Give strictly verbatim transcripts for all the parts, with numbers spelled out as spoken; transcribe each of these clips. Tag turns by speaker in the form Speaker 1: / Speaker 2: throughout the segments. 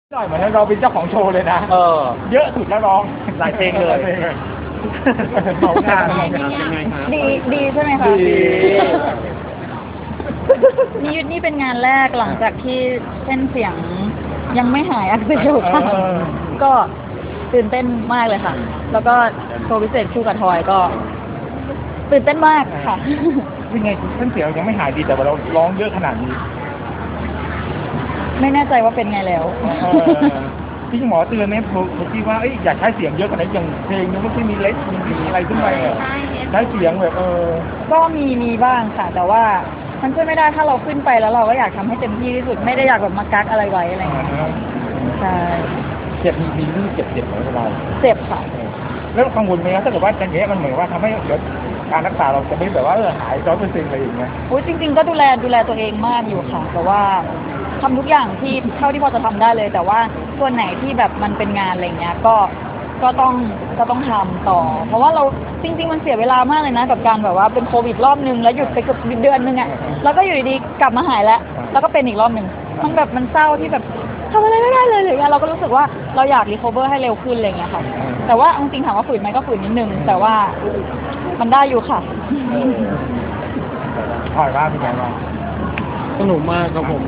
Speaker 1: หน่อยเหมือนเราเป็นเจ้าของโชว์เลยนะเออเยอะสุดแล้วร้องหลายเพลงเลยเมางานยังไงครับ
Speaker 2: ดีดีใช่ไหมคะดีนี่ยุทธนี่เป็นงานแรกหลังจากที่เส้นเสียงยังไม่หายอักเสบค่ะก็ตื่นเต้นมากเลยค่ะแล้วก็โชว์พิเศษคู่กับทอยก็ตื่นเต้นมากค่ะ
Speaker 1: ยังไงเส้นเสียงยังไม่หายดีแต่ว่าเราร้องเยอะขนาดนี้
Speaker 2: ไม่แน่ใจว่าเป็นไงแล้ว
Speaker 1: พี่หมอเตือนไหมผมคิดว่าอยากใช้เสียงเยอะกว่านี้อย่างเพลงนี้ไม่ใช่มีเล็กมีอะไรขึ้นไปใช้เสียงแบบเออ
Speaker 2: ก็มีมีบ้างค่ะแต่ว่ามันช่วยไม่ได้ถ้าเราขึ้นไปแล้วเราก็อยากทำให้เต็มที่ที่สุดไม่ได้อยากแบบมากักอะไรไว้อะไรอย่างเงี้ยใช่
Speaker 1: เจ็บมีมีเรื่องเจ็บเจ็บไหมเรา
Speaker 2: เจ็บค่ะ
Speaker 1: แล้วกังวลไหมถ้าเกิดว่าอย่างเงี้ยมันเหมือนว่าทำให้เดี๋ยวการรักษาเราจะไม่แบบว่าเออหายร้อยเปอร์เซ็นต์อะไรอย่างเงี้ย
Speaker 2: โอ้ยจริงๆก็ดูแลดูแลตัวเองมากอยู่ค่ะแต่ว่าทำทุกอย่างที่เท่าที่พอจะทำได้เลยแต่ว่าส่วนไหนที่แบบมันเป็นงานอะไรเงี้ยก็ก็ต้องก็ต้องทำต่อเพราะว่าเราจริงๆมันเสียเวลามากเลยนะกับการแบบว่าเป็นโควิดรอบนึงแล้วหยุดไปเกือบเดือนนึงอ่ะแล้วก็อยู่ดีๆกลับมาหายแล้วแล้วก็เป็นอีกรอบนึงมันแบบมันเศร้าที่แบบทำอะไรไม่ได้เลยเลยเราก็รู้สึกว่าเราอยากรีคอเวอร์ให้เร็วขึ้นอะไรเงี้ยค่ะแต่ว่าจริงๆถามว่าฝืนไหมก็ฝืนนิดนึงแต่ว่ามันได้อยู่ค่ะ
Speaker 1: ถอยว่าเป็นไงบ้าง
Speaker 3: สนุกมากครับผม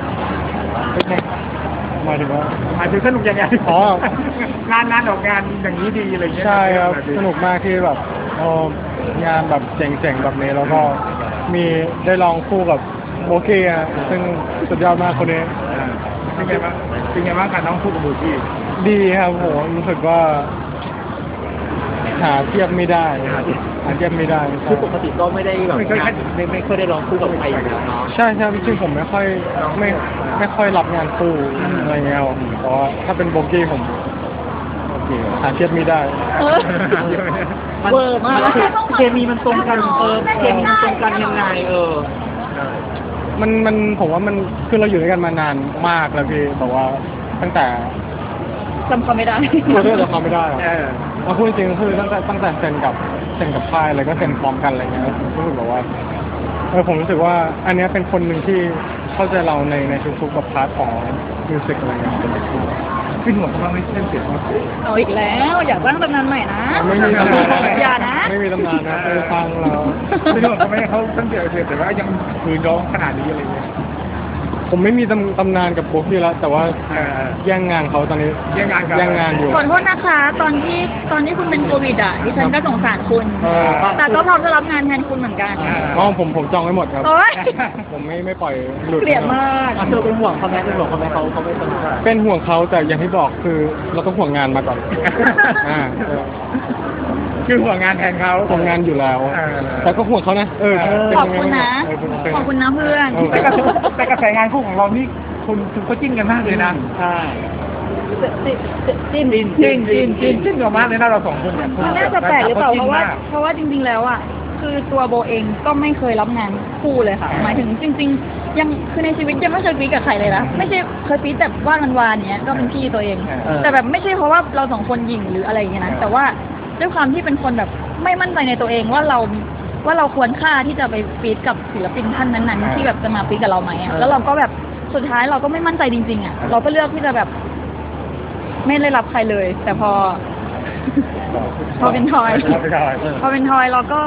Speaker 3: หมายถึงว่า
Speaker 1: หมายถึงสนุกยังไงอ๋องานงานออกงานอย่างนี้ดีอะไรเงี้ย
Speaker 3: ใช่ครับสนุกมากที่แบบเอองานแบบเจ๋งๆแบบนี้แล้วก็มีได้ลองคู่กับโบกี้อ่ะซึ่งสุดยอดมากคนนี้
Speaker 1: เป็นไงบ้างเป็นไงบ้างการน้องคู่กับโบกี้
Speaker 3: ดีครับผมรู้สึกว่าหาเทียบไม่ได้หาเทียบไม่ได้
Speaker 1: คือปกติก็ไม่ได้แบบไม่ค่อยไม่ไม่ค่อยได้ร้องคู่กับใครอยู่แล้วเนาะ
Speaker 3: ใช่ใช่จริงผมไม่ค่อยไม่ไม่ค่อยรับงานคู่อะไรเงี้ยเพราะถ้าเป็นโบกี้ผมหาเทียบไม่ได้
Speaker 1: เวอร์มากเคมีมันตรงกันเออเคมีมันตรงกันยังไงเออ
Speaker 3: มันมันผมว่ามันคือเราอยู่ด้วยกันมานานมากแล้วพี่แต่ว่าตั้งแต่
Speaker 2: จำเขาไม่ได้
Speaker 3: เราเลือกจำเขาไม่ได้เราพูดจริงคือตั้งแต่ตั้งแต่เซ็นกับเซ็นกับค่ายอะไรก็เซ็นพร้อมกันอะไรเงี้ยรู้สึกแบบว่าเออผมรู้สึกว่าอันนี้เป็นคนหนึ่งที่เข้าใจเราในในทุกๆกับพาร์ทของมิวสิกอะไรเงี้ย
Speaker 1: ขึ้นหัวเขาไม่เส้นเสียง
Speaker 2: เอาอีกแล้วอยากตั้งตำนานใหม่นะ
Speaker 3: ไม่มีตำนาน
Speaker 2: อย่านะ
Speaker 3: ไม่มีตำนานนะไปฟังเรา
Speaker 1: ไม่รู้ทำไมเขาเส้นเสียงแต่ว่ายังคืนร้องขนาดนี้อะไรเงี้ย
Speaker 3: ผมไม่มีตำตำนานกับโบกี้แล้วแต่ว่าแย่งงานเขาตอนนี้
Speaker 1: แย่งงาน
Speaker 3: แย่งงานอยู่
Speaker 2: ขอโทษนะคะตอนที่ตอนที่คุณเป็นโควิดอ่ะดิฉันก็สงสารคุณแต่ก็พร้อมจะรับงานแทนคุณเหมือนกัน
Speaker 3: อ๋อผมผมจองไว้หมดครับผมไม่ไม่ปล่อยหลุด
Speaker 2: เกลียดมาก
Speaker 1: เธอเป็นห่วงเขาไหมเป็นห่วงเขาไหมเขาเขาไม่สนุก
Speaker 3: เป็นห่วงเขาแต่อย่างที่บอกคือเราต้องห่วงงานมาก่อนอ่า
Speaker 1: คือห่วงงานแทนเขา
Speaker 3: ห่วงงานอยู่แล้วแต่ก็ห่วงเขานะเออ
Speaker 2: ขอบคุณนะขอบคุณนะเพื่อน
Speaker 1: แต่กระแสงานคู่ของเรานี่คุณคุณก็จิ้นกันมากเลยนะใช่
Speaker 2: จิ้น
Speaker 1: จิ้นจิ้นจิ้นจิ้นจิ้นกันมากเลยนะเราสองคนเนี่ย
Speaker 2: มันน่าจะแปลกหรือเปล่าเพราะว่าเพราะว่าจริงๆแล้วอ่ะคือตัวโบเองก็ไม่เคยรับงานคู่เลยค่ะหมายถึงจริงๆยังคือในชีวิตยังไม่เคยฟีดกับใครเลยนะไม่ใช่เคยฟีดแต่ว่านวานๆเนี้ยก็เป็นพี่ตัวเองแต่แบบไม่ใช่เพราะว่าเราสองคนหยิ่งหรืออะไรอย่างเงี้ยนะแต่ว่าด้วยความที่เป็นคนแบบไม่มั่นใจในตัวเองว่าเราว่าเราควรค่าที่จะไปฟีดกับศิลปินท่านนั้นๆที่แบบจะมาฟีดกับเราไหมแล้วเราก็แบบสุดท้ายเราก็ไม่มั่นใจจริงๆอ่ะเราก็เลือกที่จะแบบไม่ได้รับใครเลยแต่พอพอเป็นทอยพอเป็นทอยเราก็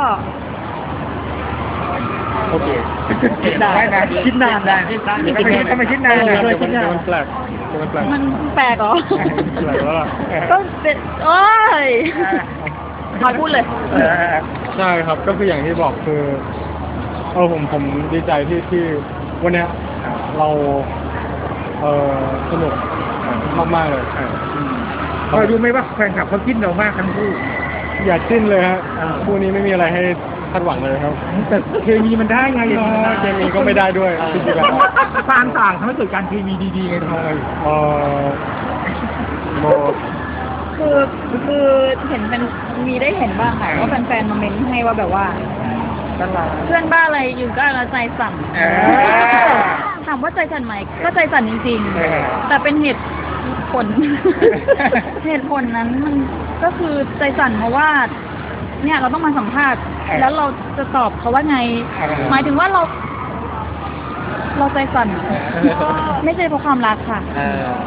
Speaker 1: โอเคคิดนานนะคิดนานนะทำไมคิดนานเลยคิดนาน
Speaker 3: มันแปลกมันแปลก
Speaker 2: มันแปลกเหรอ
Speaker 3: แปลกแล้วล่ะ
Speaker 2: ก็เป็นโอ้ยทอยพูดเลย
Speaker 3: ใช่ครับก็คืออย่างที่บอกคือเออผมผมดีใจที่ที่วันเนี้ยเราเออสนุกมากๆเลย
Speaker 1: เรารู้ไหมว่าแฟนคลับเขาจิ้นเรามากทั้งคู่
Speaker 3: อย่าจิ้นเลยฮะคู่นี้ไม่มีอะไรให้คาดหวังเลยครับ
Speaker 1: แต่เคมีมันได้ไงเนาะ
Speaker 3: เคมีก็ไม่ได้ด้วยจริงๆแล้ว
Speaker 1: ความต่างทำให้เกิดการเคมีดีๆไงทอย
Speaker 3: เออโม
Speaker 2: คือคือเห็นเป็นมีได้เห็นบ้างค่ะว่าแฟนๆมาเม้นให้ว่าแบบว่าเพื่อนบ้าอะไรอยู่ก็แล้วใจสั่นถามว่าใจสั่นไหมก็ใจสั่นจริงๆแต่เป็นเหตุผลเหตุผลนั้นมันก็คือใจสั่นเพราะว่าเนี่ยเราต้องมาสัมภาษณ์แล้วเราจะตอบเขาว่าไงหมายถึงว่าเราเราใจสั่นไม่ใช่เพราะความรักค่ะ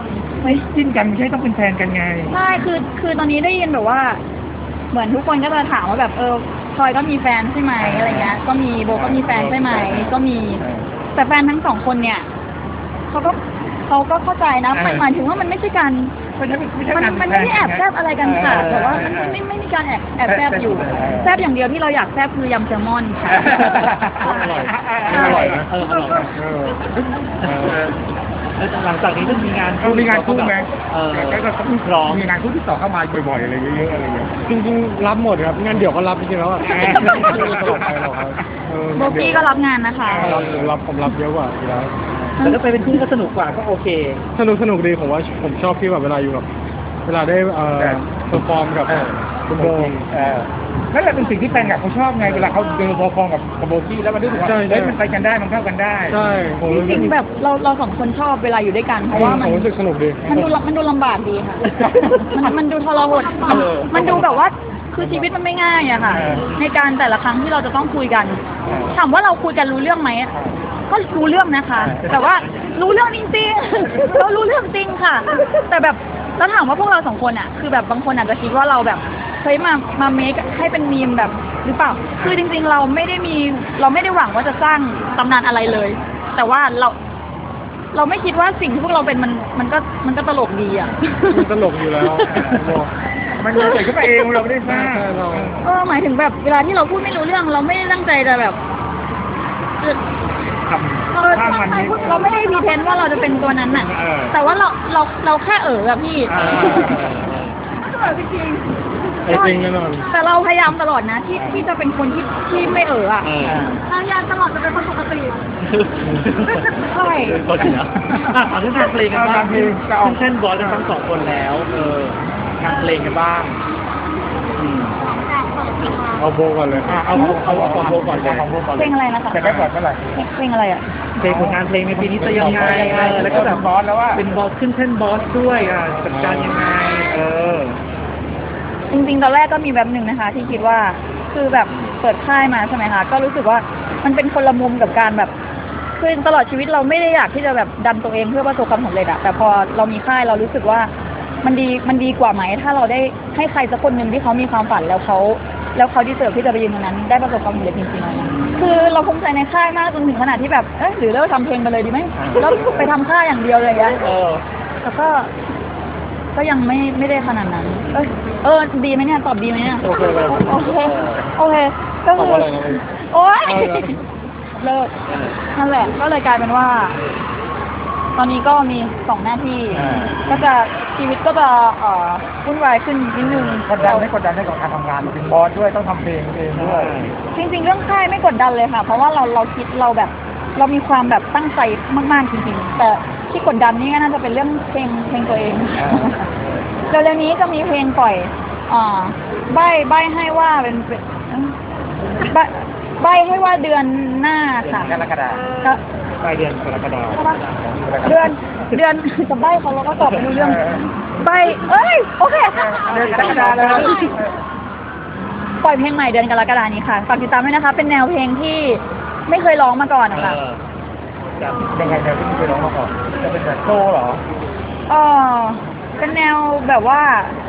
Speaker 2: ฮ้ย
Speaker 1: จิ้นกันไม่ใช่ต้องเป็นแฟนกันไง
Speaker 2: ใช่คือคือตอนนี้ได้ยินแบบว่า เหมือนทุกคนก็จะถามว่าแบบเออพลอยก็มีแฟนใช่ไหมอะไรเงี้ยก็มีโบก็มีแฟนใช่ไหมก็มี แต่แฟนทั้งสองคนเนี่ยเขาก็เขาก็เข้าใจนะหมายหมายถึงว่ามันไม่ใช่การ
Speaker 1: มันไม่ใช่
Speaker 2: มัน
Speaker 1: การ
Speaker 2: มันไม่ได้แอบแซบอะไรกันค่ะแต่ว่ามันไม่ไม่ไม่มีการแอบแอบแซบอยู่แซบอย่างเดียวที่เราอยากแซบคือยำแซลมอนค่ะ
Speaker 3: อร่อยอร่อยนะ
Speaker 4: เอออร่อย
Speaker 3: เออ
Speaker 1: เออ
Speaker 4: แล้วหลังจากนี้ต้องมีงาน
Speaker 1: เขามีงานคู่ไหม
Speaker 4: เออ
Speaker 1: แล้วก็ต้อง
Speaker 4: พร้อม
Speaker 1: มีงานคู่ที่ต่อเข้ามาบ่อยๆอะไรเยอะๆอะไรเงี้ย
Speaker 3: จริงๆรับหมดครับงานเดี่ยวก็รับจริงๆแล้วอ่ะไม่ได้ตลอดไปหรอกครับเออ
Speaker 2: โบกี้ก็รับงานนะคะ
Speaker 3: รับผมรับผมรับเยอะกว่าอยู่แล้ว
Speaker 4: แต่ถ้าไปเป็นคู่ก็สนุกกว่าก็โอเค
Speaker 3: สนุกสนุกดีผมว่าผมชอบที่แบบเวลาอยู่กับเวลาได้เอ่อเพอร์ฟอร์มกับคุณโบ
Speaker 1: เออนั่นแหละเป็นสิ่งที่แฟนคลับเขาชอบไงเวลาเขาเจอพอฟองกับกับโบกี้แล้วมันรู้สึกว่า
Speaker 3: ใช่ใช่
Speaker 1: เฮ้ยมันไปกันได้มันเข้ากันได้
Speaker 3: ใช่ผม
Speaker 2: จ
Speaker 3: รู้สึ
Speaker 2: ริ
Speaker 3: ก
Speaker 2: งๆแบบเราเราสองคนชอบเวลาอยู่ด้วยกันเพราะว่ามัน
Speaker 3: ผมรู้สึกสนุกดี
Speaker 2: มันดูมันดูลำบากดีค่ะ มันมันดูทรหดมัน
Speaker 1: เออ
Speaker 2: มันดูแบบว่าคือชีวิตมันไม่ง่ายอะค่ะ
Speaker 1: เออ
Speaker 2: ในการแต่ละครั้งที่เราจะต้องคุยกัน
Speaker 1: เออ
Speaker 2: ถามว่าเราคุยกันรู้เรื่องไหมอะก็รู้เรื่องนะคะ
Speaker 1: เออ
Speaker 2: แต่ว่ารู้เรื่องจริงๆ เรารู้เรื่องจริงค่ะ แต่แบบแล้วถามว่าพวกเราสองคนอะคือแบบบางคนอาจจะคิดว่าเราแบบเฮ้ยมามาเมคให้เป็นมีมแบบหรือเปล่า คือจริงๆ เราไม่ได้มีเราไม่ได้หวังว่าจะสร้างตำนานอะไรเลย แต่ว่าเรา เราไม่คิดว่าสิ่งที่พวกเราเป็นมันมันก็มันก็ตลกดีอ่ะ
Speaker 3: มันตลกอยู่แล้วโบ
Speaker 1: มันเกิดขึ้นมาเองเราไม่ได้สร้าง
Speaker 3: ใช่เรา
Speaker 2: เออหมายถึงแบบเวลาที่เราพูดไม่รู้เรื่อง เราไม่ได้ตั้งใจจะแบบเออ
Speaker 1: ท
Speaker 2: เออ
Speaker 1: ำถ้ามันไม่
Speaker 2: เราไม่ได้พรีเทนต์ว่าเราจะเป็นตัวนั้นน่ะ
Speaker 1: เออ
Speaker 2: แต่ว่าเราเราเราแค่เออแบบพี่
Speaker 1: เออ
Speaker 2: เออจริง
Speaker 3: ไอ้จริงแน่นอน
Speaker 2: แต่เราพยายามตลอดนะ ที่ที่จะเป็นคนที่ที่ไม่เอออ่ะ
Speaker 4: เออ
Speaker 2: พยายามตลอดจะเป็นคนปกติใช่
Speaker 4: ก็จริงนะอ่ะเอาเรื่องงานเพลงกันบ้าง
Speaker 1: งานเพลงจะเอา
Speaker 4: ขึ้นเส้นบอสกันทั้งสองคนแล้ว เอองานเพลงกันบ้างอืม
Speaker 3: เอาโบก่อนเลย
Speaker 4: อ่ะเอาเอาเอาของโบก่อนเลย
Speaker 1: ของโบก่อน
Speaker 2: เพลงอะไรนะคะ
Speaker 1: แต่ได้ก่อนเมื่อไหร่
Speaker 2: เพลงอะไรอ่ะ
Speaker 4: เพลงผลงานเพลงในปีนี้จะยังไงเออแล้วก็แบบ
Speaker 1: บอสแล้วว่า
Speaker 4: เป็นบอสขึ้นเส้นบอสด้วยอ่ะจัดการยังไง เออ
Speaker 2: จริงๆ ตอนแรกก็มีแบบหนึ่งนะคะ ที่คิดว่าคือแบบเปิดค่ายมาใช่ไหมคะก็รู้สึกว่ามันเป็นคนละมุมกับการแบบคือตลอดชีวิตเราไม่ได้อยากที่จะแบบดันตัวเองเพื่อประสบความสำเร็จอะแต่พอเรามีค่ายเรารู้สึกว่ามันดีมันดีกว่าไหม ถ้าเราได้ให้ใครสักคนหนึ่งที่เขามีความฝันแล้วเขาแล้วเขาดีเสิร์ฟที่จะไปยืนตรงนั้น ได้ประสบความสำเร็จจริงๆคือเราภูมิใจในค่ายมากจนถึงขนาดที่แบบเอ๊ะหรือเลิกทำเพลงไปเลยดีไหมแล้วไปทำค่ายอย่างเดียวเลยอะ
Speaker 4: เออ
Speaker 2: แต่ก็ ก็ยังไม่ไม่ได้ขนาดนั้น เอยเออดีไหมเนี่ยตอบดีไหมเนี่ย
Speaker 3: โอเคเลย
Speaker 2: โอเคโอเคก็
Speaker 3: ตอบ
Speaker 2: คือ
Speaker 3: ว่าอะไรนะ
Speaker 2: โอ๊ย
Speaker 3: เอาเลย
Speaker 2: เลิกนั่นแหละก็เลยกลายเป็นว่า ตอนนี้ก็มีสองหน้าที่
Speaker 1: อ่า
Speaker 2: ก็จะชีวิตก็จะเอ่อวุ่นวายขึ้นนิดนึง
Speaker 1: กดดันไม่กดดันในกับการทำงานเป็นบอสด้วยต้องทำเพลงเองด้วย
Speaker 2: จริงๆเรื่องค่ายไม่กดดันเลยค่ะ เพราะว่าเราเราคิดเราแบบ เรามีความแบบตั้งใจมากๆจริงๆแต่ที่กดดันนี่ก็น่าจะเป็นเรื่องเพลงเพลงตัวเอง เร็วๆนี้จะมีเพลงปล่อย อ่า ใบใบให้ว่าเป็นเป็นใบใบให้ว่าเดือนหน้าค่ะ
Speaker 1: กรกฎาคม
Speaker 2: ก็
Speaker 4: ปลายเดือนกรกฎาคม
Speaker 2: ใช่ปะเดือน เดือนจะใบเขาเราก็ตอบไม่รู้เรื่อง ใบ เอ้ย โอเค
Speaker 1: เดือนกรกฎาคมแล้ว
Speaker 2: ปล่อยเพลงใหม่เดือนกรกฎานี้ค่ะ ฝากติดตามด้วยนะคะ เป็นแนวเพลงที่ไม่เคยร้องมาก่อนนะคะ
Speaker 4: เออครับ
Speaker 1: ยังไงเนี่ยที่เคยร้องมาก่อนจะเป็นแบบโซ่เหรอ
Speaker 2: เออเป็นแนวแบบว่า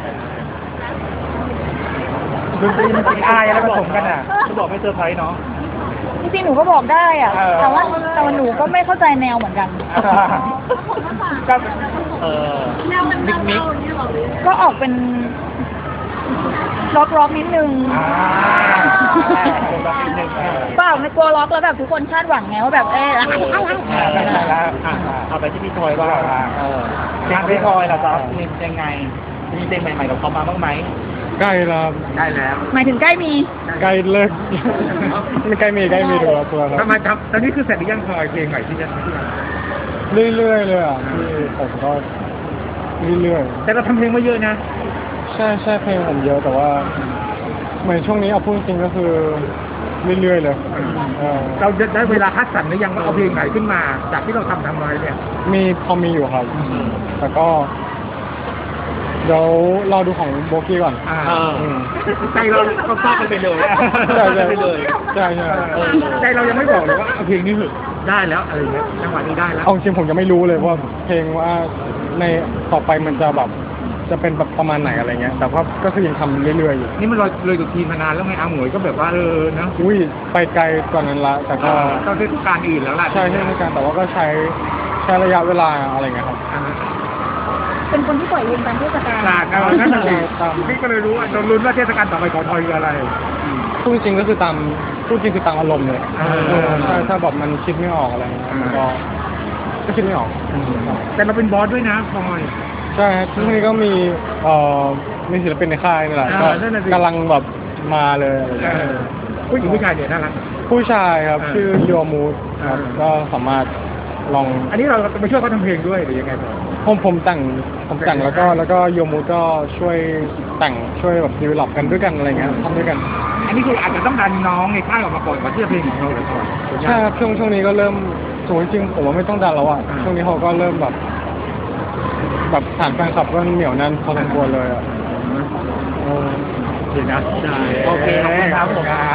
Speaker 1: ดนตรีมันเป็นอายแล้วผสมกันอ่ะ
Speaker 4: จะบอกไม่เซอร์ไพรส์เนาะ
Speaker 2: จริงๆ หนูก็บอกได้อะ
Speaker 1: เออ
Speaker 2: แต่ว่าแต่ว่าหนูก็ไม่เข้าใจแนวเหมือนกัน
Speaker 1: ก็
Speaker 4: เออมิกมิก
Speaker 2: ก็ออกเป็นล็อกล็อกนิดนึง
Speaker 1: อ่า
Speaker 2: เปล่าไม่กลัวล็อกแล้วแบบทุกคนคาดหวังไงว่าแบบเอ๊ะอะไรอะไร
Speaker 4: อ่าได้แล้วอ่ะเอาไปที่พี่ทอยว่างเอองานพี่ทอยล่ะจ๊ะมียังไง มีเพลงใหม่ๆกับเขามาบ้างไหม
Speaker 3: ใกล้แล้ว
Speaker 1: ได้แล้ว
Speaker 2: หมายถึงใกล้มี
Speaker 3: ใกล้เลิกไม่ใกล้มีใกล้มีตัวละตัวแล้ว
Speaker 1: ทำไมครับตอนนี้คือเสร็จหรือยังพลอยเพลงใหม่ที่จะที่จะ
Speaker 3: เรื่อยๆเลยอ่ะที่ผมก็เรื่อย
Speaker 1: แต่เราทำเพลงมาเยอะนะ
Speaker 3: ๆใช่ใช่เพลงผมเยอะแต่ว่าเหมือนช่วงนี้เอาพูดจริงก็คือเรื่อยๆเลยเออ
Speaker 1: เราจะได้เวลาคัดสรรหรือยังว่าเอาเพลงไหนขึ้นมา จากที่เราทำทำมาเนี่ย
Speaker 3: มีพอมีอยู่ครับ แต่ก็ เดี๋ยวเราดูของโบกี้ก่อน
Speaker 1: อ่า
Speaker 4: เออ
Speaker 3: อืม
Speaker 1: ใจเราก็ฟาดกันไปเลย
Speaker 3: ใช่ใช่
Speaker 4: ไปเลย
Speaker 3: ใช่ใช่
Speaker 1: เออใจเรายังไม่บอกเลยว่าเอาเพลงนี้เหอะได้แล้วอะไรเงี้ยจังหวะนี้ได้แล้ว
Speaker 3: เอาจริงผมยังไม่รู้เลยว่าเพลงว่าในต่อไปมันจะแบบจะเป็นแบบประมาณไหนอะไรเงี้ยแต่ว่าก็คือยังทำเรื่อยๆอยู่
Speaker 1: นี่มันเลยเลยตัวทีมมานานแล้วไงอาหมวยก็แบบว่าเออเนาะ
Speaker 3: อุ้ยไปไกลกว่านั้นละแต่ก็
Speaker 1: ต้องเทศกาลอื่นแล้วล่ะ
Speaker 3: ใช่ใช่ในการแต่ว่าก็ใช้ใช้ระยะเวลาอะไรเงี้ยครับ
Speaker 1: อ่า
Speaker 2: เป็นคนที่ปล่อยเพลงตามเทศกาล
Speaker 1: ตากกันนั่นแหละสิ
Speaker 3: ตาม
Speaker 1: พี่ก็เลยรู้ว่าเราลุ้นว่าเทศกาลต่อไปของทอยคืออะไร
Speaker 3: พูดจริงก็คือตามพูดจริงคือตามอารมณ์เลย
Speaker 1: เออ
Speaker 3: เออใช่ถ้าแบบมันคิดไม่ออกอะไรเงี้ยมันก็ก็คิดไม่ออก
Speaker 1: แต่เราเป็นบอสด้วยนะทอย
Speaker 3: ใช่ครับช่วงนี้ก็มีเอ่อมีศิลปินในค่ายนี่แหละ
Speaker 1: เอ
Speaker 3: ก็
Speaker 1: อนั่นน่ะสิ
Speaker 3: กำลังแบบมาเลยอะไรเงี้ย
Speaker 1: เออผู้หญิงผู้ชายเนี่ยน่ารัก
Speaker 3: ผู้ชายครับ
Speaker 1: เออ
Speaker 3: ชื่อโยมูดครับ
Speaker 1: เออ
Speaker 3: ก็สามารถลอง
Speaker 1: อันนี้เราไปช่วยเขาทำเพลงด้วยหรือยังไงผม
Speaker 3: ผมผมแต่งผมแต่งแล้วก็แล้วก็โยมูดก็ช่วยแต่งช่วยแบบดีเวลลอปกันด้วยกันอะไรเงี้ยทำด้วยกัน
Speaker 1: อันนี้คืออาจจะต้องดันน้องในค่ายออกมาก่อนก่อนที่จะเพลงของเราเลยก่อน
Speaker 3: ใช่ครับช่วงช่วงนี้ก็เริ่มสมมติจริงๆผมว่าไม่ต้องดันแล้วอ่ะ
Speaker 1: อ่า
Speaker 3: ช่วงนี้เขาก็เริ่มแบบ แบบฐานแฟนคลับก็เหนียวแน่นพอสมควรเลยอ่ะเออ
Speaker 1: เดี๋ยวนะ
Speaker 4: โอเคขอบคุณครับผม